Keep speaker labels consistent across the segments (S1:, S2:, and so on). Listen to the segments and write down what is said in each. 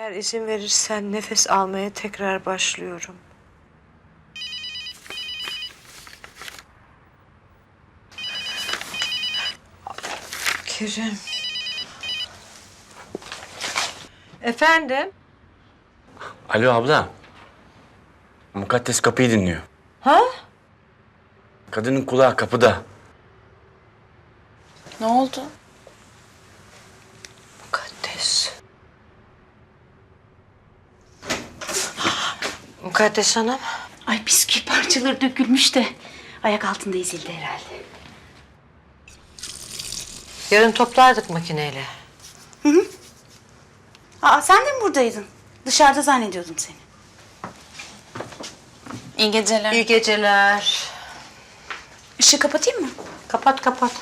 S1: Eğer izin verirsen nefes almaya tekrar başlıyorum. Kerim. Efendim?
S2: Alo abla. Mukaddes kapıyı dinliyor.
S1: Ha?
S2: Kadının kulağı kapıda.
S3: Ne oldu?
S1: Mukaddes. Mukaddes Hanım.
S3: Ay bisküvi parçaları dökülmüş de ayak altında ezildi herhalde.
S1: Yarın toplardık makineyle.
S3: Aa sen de mi buradaydın? Dışarıda zannediyordum seni. İyi geceler.
S1: İyi geceler.
S3: Işığı kapatayım mı?
S1: Kapat kapat.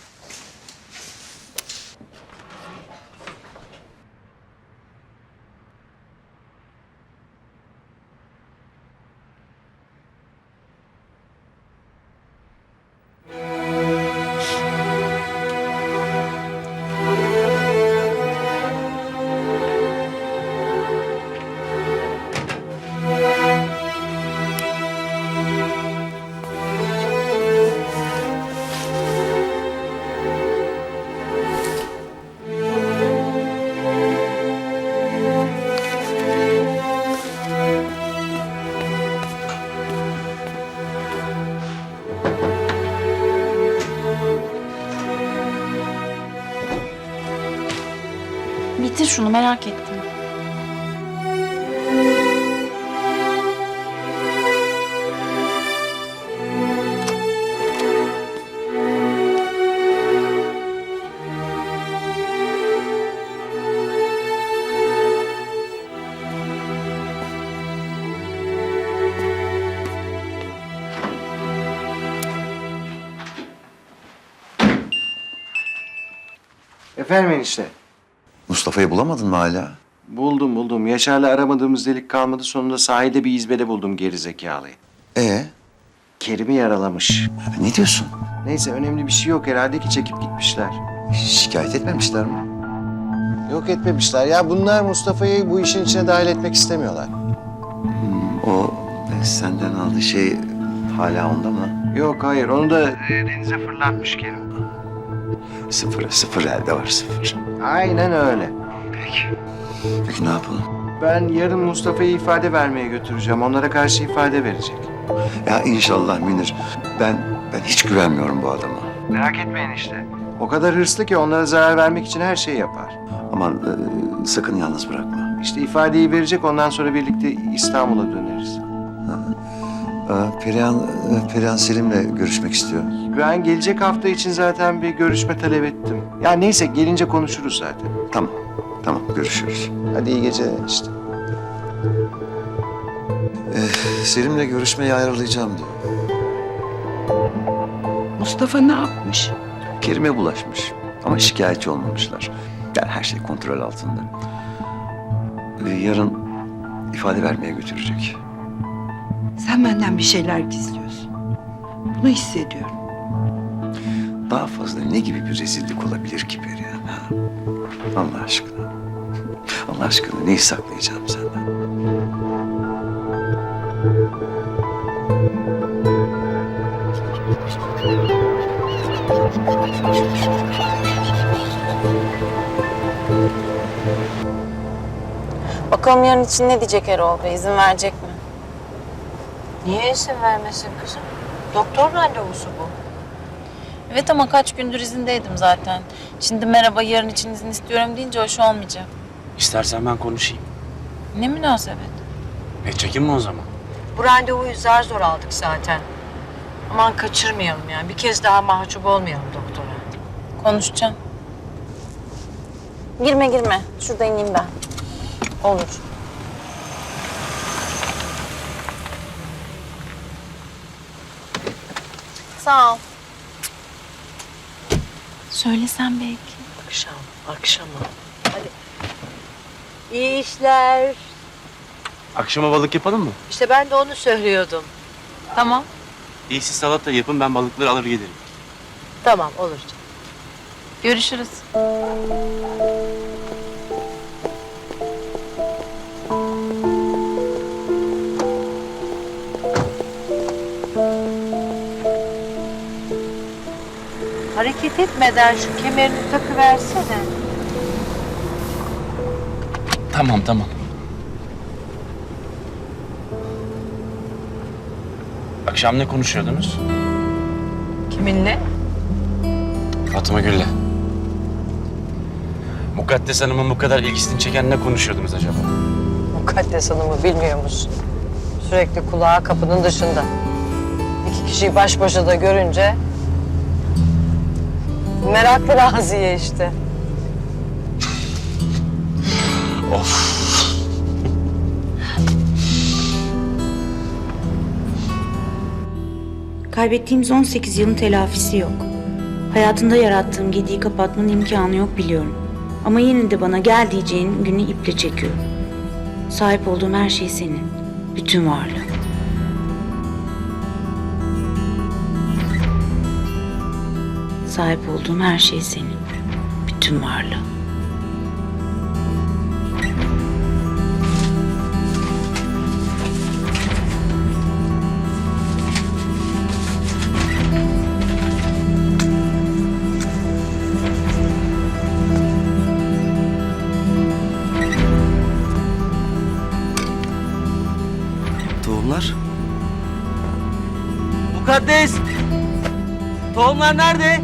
S3: Bitir şunu merak ettim.
S4: Efendim enişte.
S5: Mustafa'yı bulamadın mı hala?
S4: Buldum. Yaşar'la aramadığımız delik kalmadı. Sonunda sahilde bir izbede buldum gerizekalıyı. Kerim'i yaralamış.
S5: Ne diyorsun?
S4: Neyse önemli bir şey yok herhalde ki çekip gitmişler.
S5: Şikayet etmemişler mi?
S4: Yok etmemişler. Ya bunlar Mustafa'yı bu işin içine dahil etmek istemiyorlar.
S5: O senden aldığı şey hala onda mı?
S4: Yok hayır onu da denize fırlatmış Kerim.
S5: Sıfır elde var sıfır.
S4: Aynen öyle.
S5: Peki ne yapalım?
S4: Ben yarın Mustafa'yı ifade vermeye götüreceğim. Onlara karşı ifade verecek.
S5: Ya inşallah Münir. Ben hiç güvenmiyorum bu adama.
S4: Merak etmeyin işte. O kadar hırslı ki onlara zarar vermek için her şeyi yapar.
S5: Aman sakın yalnız bırakma.
S4: İşte ifadeyi verecek ondan sonra birlikte İstanbul'a döneriz.
S5: Perihan Selim'le görüşmek istiyor.
S4: Ben gelecek hafta için zaten bir görüşme talep ettim. Ya neyse gelince konuşuruz zaten.
S5: Tamam görüşürüz.
S4: Hadi iyi geceler işte.
S5: Selim'le görüşmeyi ayarlayacağım diyor.
S6: Mustafa ne yapmış?
S5: Kerim'e bulaşmış ama şikayetçi olmamışlar. Yani her şey kontrol altında. Yarın ifade vermeye götürecek.
S6: Sen benden bir şeyler gizliyorsun. Bunu hissediyorum.
S5: Daha fazla ne gibi bir rezillik olabilir ki Perihan? Ha? Allah aşkına. Allah aşkına neyi saklayacağım senden?
S3: Bakalım yarın için ne diyecek Erol Bey? İzin verecek mi?
S1: Niye izin vermesin kızım? Doktor randevusu bu.
S3: Evet ama kaç gündür izindeydim zaten. Şimdi merhaba yarın için izin istiyorum deyince hoş olmayacak.
S2: İstersen ben konuşayım.
S3: Ne münasebet.
S2: Çekinme o zaman.
S1: Bu randevuyu zar zor aldık zaten. Aman kaçırmayalım yani. Bir kez daha mahcup olmayalım doktora.
S3: Konuşacağım. Girme. Şurada ineyim ben. Olur. Sağ ol. Söylesem belki.
S1: Akşama. Hadi. İyi işler.
S2: Akşama balık yapalım mı?
S1: İşte ben de onu söylüyordum.
S3: Tamam.
S2: İyi siz salata yapın ben balıkları alır gelirim.
S1: Tamam olur.
S3: Görüşürüz.
S1: hareket etmeden şu kemerini takıversene.
S2: Tamam. Akşam ne konuşuyordunuz?
S1: Kiminle?
S2: Fatma Gül'le. Mukaddes Hanım'ın bu kadar ilgisini çeken ne konuşuyordunuz acaba?
S1: Mukaddes Hanım'ı bilmiyor musun? Sürekli kulağı kapının dışında. İki kişiyi baş başa da görünce... meraklı Raziye işte.
S2: Of.
S7: Kaybettiğimiz 18 yılın telafisi yok. Hayatında yarattığım gediği kapatmanın imkanı yok biliyorum. Ama yine de bana gel diyeceğin günü iple çekiyorum. Sahip olduğum her şey senin. Bütün varlığın. Sahip olduğum her şey senin. Bütün varlığın.
S5: Tohumlar?
S8: Mukaddes! Tohumlar nerede?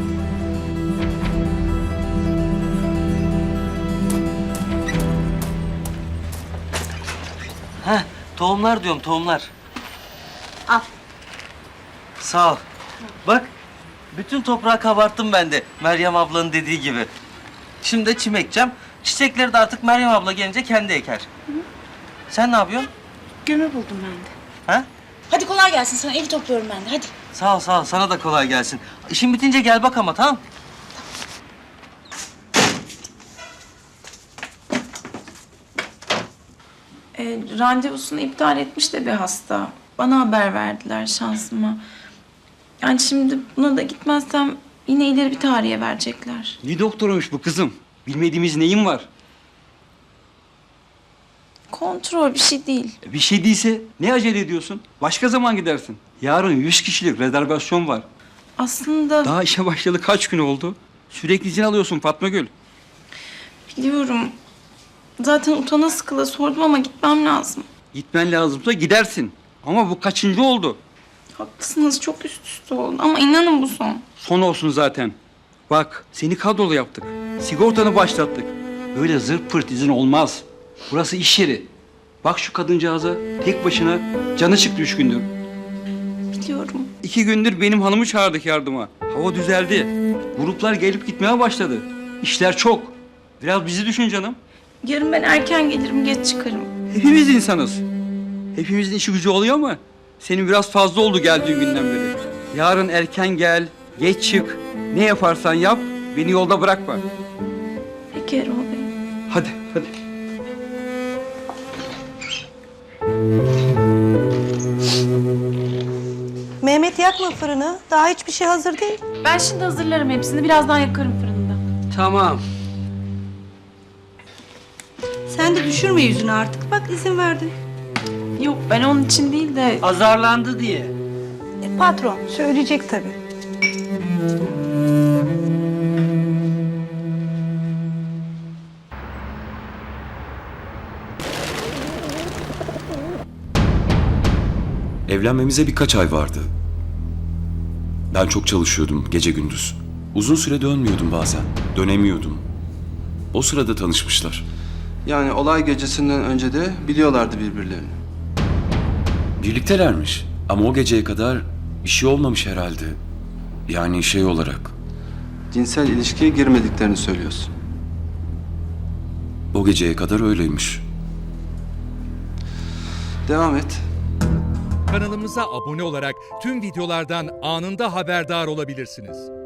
S8: Heh, tohumlar diyorum, tohumlar.
S7: Al.
S8: Sağ ol. Bak, bütün toprağı kabarttım ben de, Meryem ablanın dediği gibi. Şimdi de çim ekeceğim. Çiçekleri de artık Meryem abla gelince kendi eker. Sen ne yapıyorsun?
S7: Gömü buldum ben de.
S8: Ha?
S7: Hadi kolay gelsin, sana evi topluyorum ben de hadi.
S8: Sağ ol, sağ ol. Sana da kolay gelsin. İşin bitince gel bak ama, tamam?
S3: Randevusunu iptal etmiş de bir hasta. Bana haber verdiler şansıma. Yani şimdi buna da gitmezsem yine ileri bir tarihe verecekler.
S9: Ne doktoruymuş bu kızım? Bilmediğimiz neyin var?
S3: Kontrol bir şey değil.
S9: Bir şey değilse ne acele ediyorsun? Başka zaman gidersin. Yarın 100 kişilik rezervasyon var.
S3: Aslında
S9: Daha işe başlayalı kaç gün oldu? Sürekli izin alıyorsun Fatma Gül.
S3: biliyorum. Zaten utana sıkıla sordum ama gitmem lazım.
S9: Gitmen lazımsa gidersin. Ama bu kaçıncı oldu?
S3: Haklısınız, çok üst üste oldu ama inanın bu son.
S9: Son olsun zaten. Bak seni kadrolu yaptık. Sigortanı başlattık. Böyle zırt pırt izin olmaz. Burası iş yeri. Bak şu kadıncağıza tek başına canı çıktı 3 gündür.
S3: Biliyorum.
S9: 2 gündür benim hanımı çağırdık yardıma. Hava düzeldi. Gruplar gelip gitmeye başladı. İşler çok. Biraz bizi düşün canım.
S3: Yarın ben erken gelirim, geç çıkarım.
S9: Hepimiz insanız. Hepimizin işi gücü oluyor ama senin biraz fazla oldu geldiğin günden beri. Yarın erken gel, geç çık. Ne yaparsan yap, beni yolda bırakma.
S3: Peki Erol Bey.
S9: Hadi, hadi.
S10: Mehmet yakma fırını. Daha hiçbir şey hazır değil.
S3: Ben şimdi hazırlarım hepsini. Birazdan yakarım fırında.
S9: Tamam.
S10: Sen de düşürme yüzünü artık. Bak izin verdin.
S3: Yok, ben onun için değil de...
S8: Azarlandı diye.
S10: Patron söyleyecek tabii.
S11: Evlenmemize birkaç ay vardı. Ben çok çalışıyordum gece gündüz. Uzun süre dönmüyordum bazen. Dönemiyordum. O sırada tanışmışlar.
S12: Yani olay gecesinden önce de biliyorlardı birbirlerini.
S11: Birliktelermiş. Ama o geceye kadar bir şey olmamış herhalde. Yani şey olarak.
S12: Cinsel ilişkiye girmediklerini söylüyorsun.
S11: O geceye kadar öyleymiş.
S12: Devam et.
S13: Kanalımıza abone olarak tüm videolardan anında haberdar olabilirsiniz.